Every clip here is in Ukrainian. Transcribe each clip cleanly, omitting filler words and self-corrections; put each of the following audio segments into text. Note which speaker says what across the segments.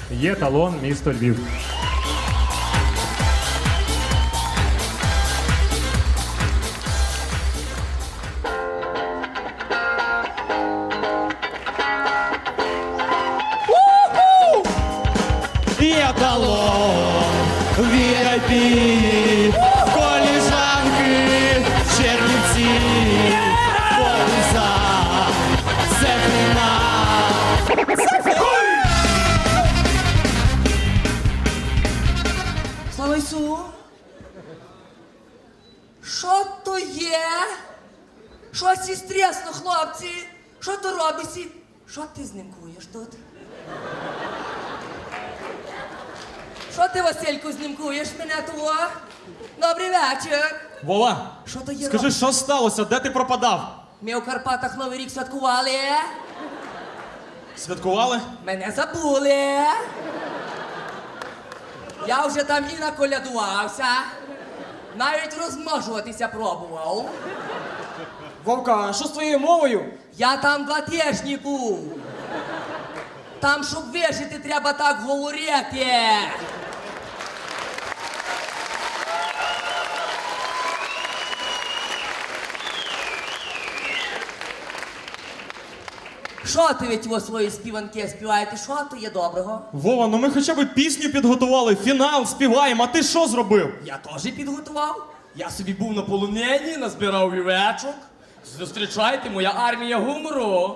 Speaker 1: Є талон, місто Львів.
Speaker 2: Є талон, VIP, коліжанки, Чернівці, Полиза, Сефріна.
Speaker 3: Слава Ісу! Що то є? Що сі стресно, хлопці? Що то робиться? Що ти знімкуєш тут? Що ти, Васильку, знімкуєш мене того? Добрий вечір.
Speaker 2: Вова,
Speaker 3: Що то є?
Speaker 2: скажи, що сталося? Де ти пропадав?
Speaker 3: Ми у Карпатах Новий рік святкували.
Speaker 2: Святкували?
Speaker 3: Мене забули. Я вже там і наколядувався. Навіть розмножуватися пробував.
Speaker 4: Вовка, а що з твоєю мовою?
Speaker 3: Я там 2 тижні був. Там, щоб вижити, треба так говорити. Що ти від його свої співанки співаєте? Що то є доброго?
Speaker 2: Вова, ну ми хоча б пісню підготували, фінал співаємо, а ти що зробив?
Speaker 3: Я теж підготував. Я собі був на полонені, назбирав вівечок. Зустрічайте, моя армія гумору.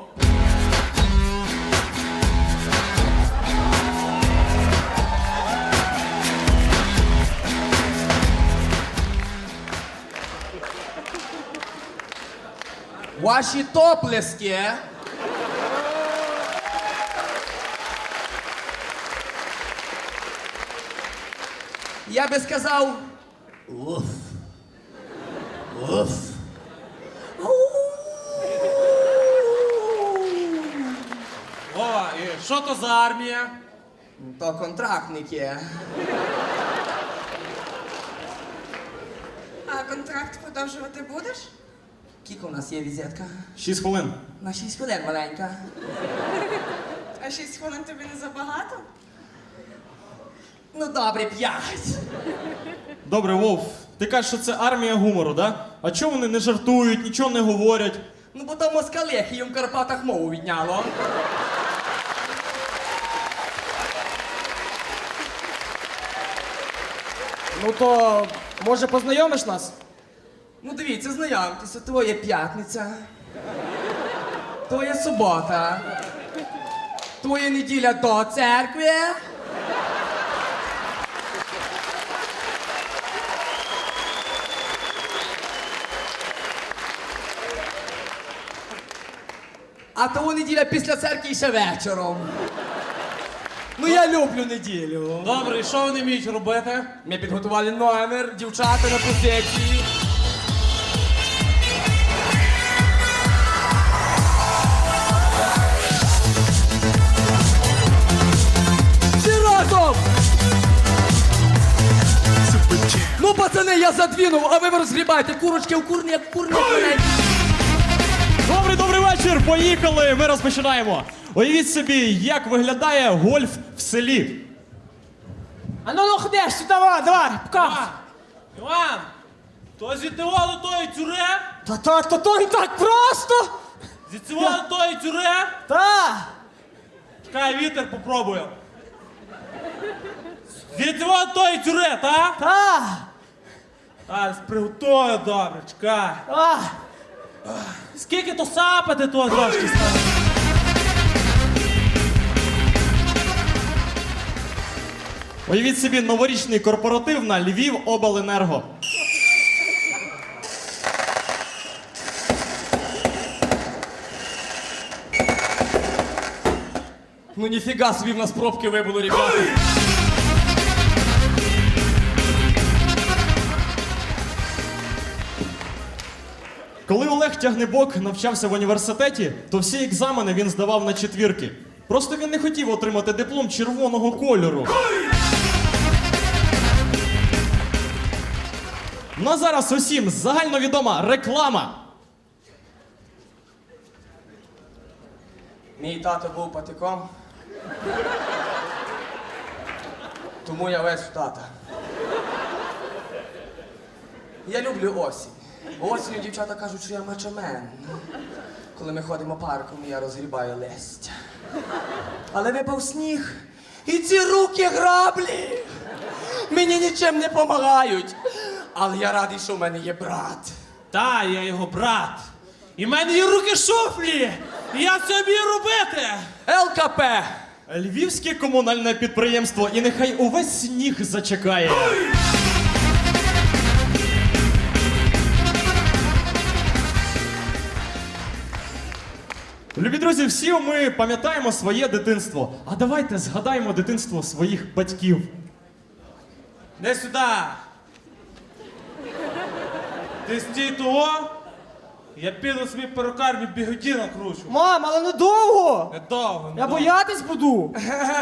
Speaker 3: Ваші топлески. Я би сказав. Уф. Уф.
Speaker 2: Вова, і що то за армія?
Speaker 3: То контрактники.
Speaker 5: А контракт продовжувати будеш?
Speaker 3: Кілько у нас є візитка?
Speaker 2: 6 хвилин.
Speaker 3: На 6 хвилин маленька.
Speaker 5: А 6 хвилин тобі не забагато?
Speaker 3: Ну добре, 5.
Speaker 2: Добре, Вов, ти кажеш, що це армія гумору, да? А чого вони не жартують, нічого не говорять?
Speaker 3: Ну бо то москалехи їм в Карпатах мову відняло.
Speaker 4: Ну то, може, познайомиш нас?
Speaker 3: Ну дивіться, знайомтеся, то є п'ятниця. То є субота. То є неділя до церкви. А того неділя після церкви і ще вечором. Ну я люблю неділю.
Speaker 2: Добре, і що вони вміють робити?
Speaker 3: Ми підготували номер, дівчата на позиції. Всі разом! Ну, пацани, я задвинув, а ви розгрібайте курочки в курні, як курні маленькі.
Speaker 2: Добрий вечір, поїхали, ми розпочинаємо. Уявіть собі, як виглядає гольф в селі.
Speaker 4: А ну ходиш, сюди, давай, покажи.
Speaker 6: Іван, то зітивало тої тюре?
Speaker 4: То не так просто.
Speaker 6: Зітивало тої тюре?
Speaker 4: Та.
Speaker 6: Чекай, вітер попробую. Зітивало тої тюре, та?
Speaker 4: Та.
Speaker 6: А, приготую добре, чекай.
Speaker 4: А.
Speaker 6: Скільки то сапати того трошки стало?
Speaker 2: Уявіть собі новорічний корпоратив на Львівобленерго.
Speaker 3: Ну ніфіга собі в нас пробки вибуло, ребята.
Speaker 2: Коли Олег Тягнебок навчався в університеті, то всі екзамени він здавав на четвірки. Просто він не хотів отримати диплом червоного кольору. Ну а зараз усім загальновідома реклама.
Speaker 3: Мій тато був патиком. Тому я весь в тата. Я люблю осінь. Осінню дівчата кажуть, що я мачомен. Коли ми ходимо парком, я розгрібаю листя. Але випав сніг, і ці руки граблі мені нічим не допомагають. Але я радий, що в мене є брат.
Speaker 6: Та, я його брат. І в мене є руки шуфлі. І я це вмію робити.
Speaker 3: ЛКП!
Speaker 2: Львівське комунальне підприємство, і нехай увесь сніг зачекає. Любі друзі, всі ми пам'ятаємо своє дитинство. А давайте згадаємо дитинство своїх батьків.
Speaker 6: Не сюди. Ти стій того. Я піду собі перукарню бігоді накручу.
Speaker 4: Мам, але недовго.
Speaker 6: Недовго.
Speaker 4: Я боятись буду.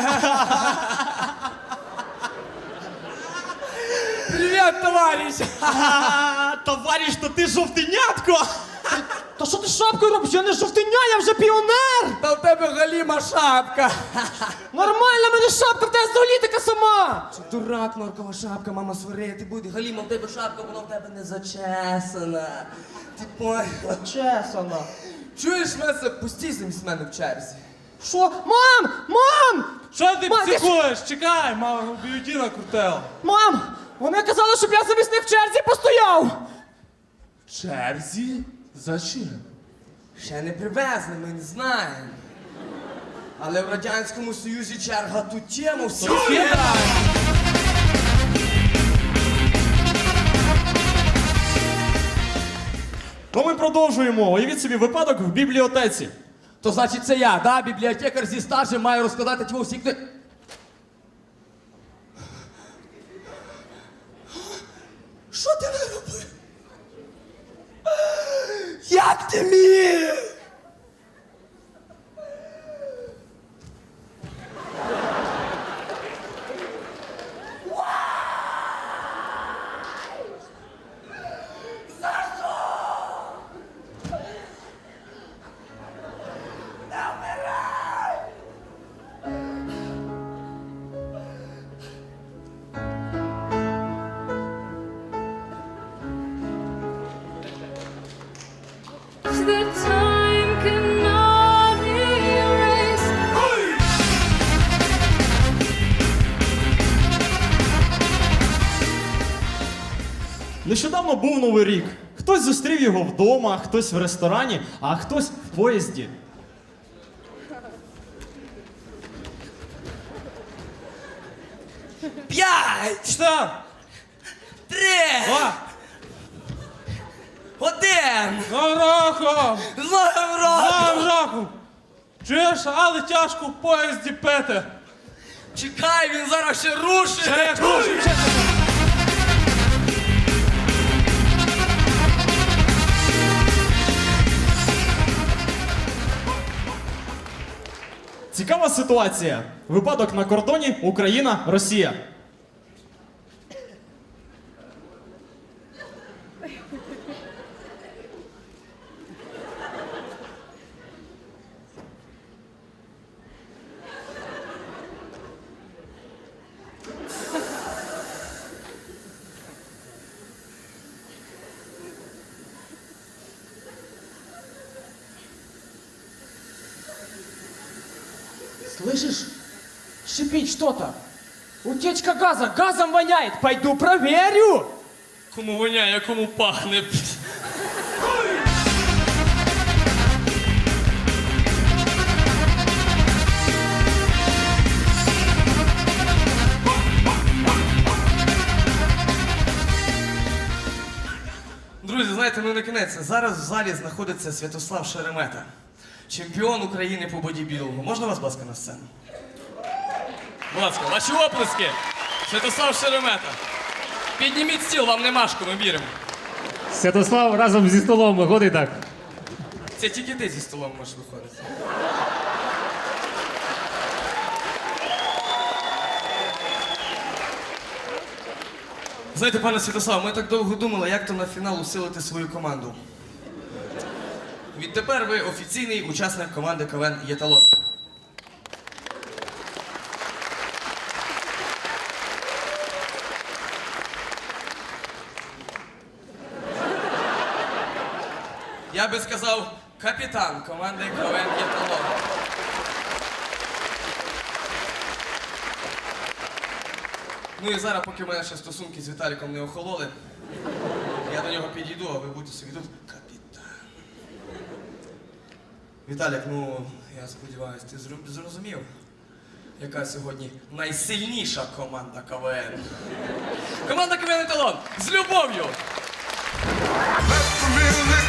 Speaker 3: Привіт, товариш!
Speaker 2: Товариш, то ти жовтенятко!
Speaker 4: Та що ти шапкою робиш? Я не жовтиня, я вже піонер.
Speaker 3: Та в тебе галіма шапка!
Speaker 4: Нормальна в мене шапка, в тебе взагалі така сама.
Speaker 3: Що дурак, норкова шапка, мама сварити буде. Галіма, в тебе шапка, вона в тебе не зачесана. Ти поняла?
Speaker 4: Чесана.
Speaker 3: Чуєш, Меса, пустій замість мене в черзі.
Speaker 4: Що? Мам! Мам!
Speaker 6: Що ти
Speaker 4: Ма,
Speaker 6: психуєш? Чекай, мама бігоді накрутила.
Speaker 4: Мам! Вони казали, щоб я замість них в черзі постояв.
Speaker 6: В черзі? Зачем?
Speaker 3: Ще не привезли, ми не знаємо. Але в Радянському Союзі черга ту тему всі знають.
Speaker 2: То ми продовжуємо. Уявіть собі випадок в бібліотеці.
Speaker 3: То значить це я, да? Бібліотекар зі стажем має розкладати ті всі книги. Що ти наробив? Як ти міг?
Speaker 1: The time cannot erase.
Speaker 2: Нещодавно був Новий рік. Хтось зустрів його вдома, хтось в ресторані, а хтось в поїзді.
Speaker 3: П'ять!
Speaker 6: Що?
Speaker 3: Три!
Speaker 6: Два!
Speaker 3: Один!
Speaker 6: З Новим роком!
Speaker 3: З Новим
Speaker 6: З
Speaker 3: роком!
Speaker 6: Новим роком! Чуєш, але тяжко в поїзді пити.
Speaker 3: Чекай, він зараз ще рушить!
Speaker 6: Ще як рушить, ще.
Speaker 2: Цікава ситуація. Випадок на кордоні Україна-Росія.
Speaker 4: Слышишь? Шипит что-то. Утечка газа. Газом воняет. Пойду проверю.
Speaker 6: Кому воняє, кому пахне.
Speaker 3: Друзі, знаєте, ну не кінець. Зараз в залі знаходиться Святослав Шеремета. Чемпіон України по бодібілдингу. Можна вас, будь ласка, на сцену? Будь ласка, ваші оплески. Святослав Шеремета. Підніміть стіл, вам не важко, ми віримо.
Speaker 7: Святослав разом зі столом виходить так.
Speaker 3: Це тільки ти зі столом можеш виходити. Знаєте, пане Святослав, ми так довго думали, як то на фінал усилити свою команду. Відтепер ви офіційний учасник команди КВН «Єталон». Я би сказав, капітан команди КВН «Єталон». Ну і зараз, поки в мене ще стосунки з Віталіком не охололи, я до нього підійду, а ви будете собі тут капітан. Віталік, ну, я сподіваюся, ти зрозумів, яка сьогодні найсильніша команда КВН. Команда КВН «Еталон» з любов'ю!
Speaker 8: Let the music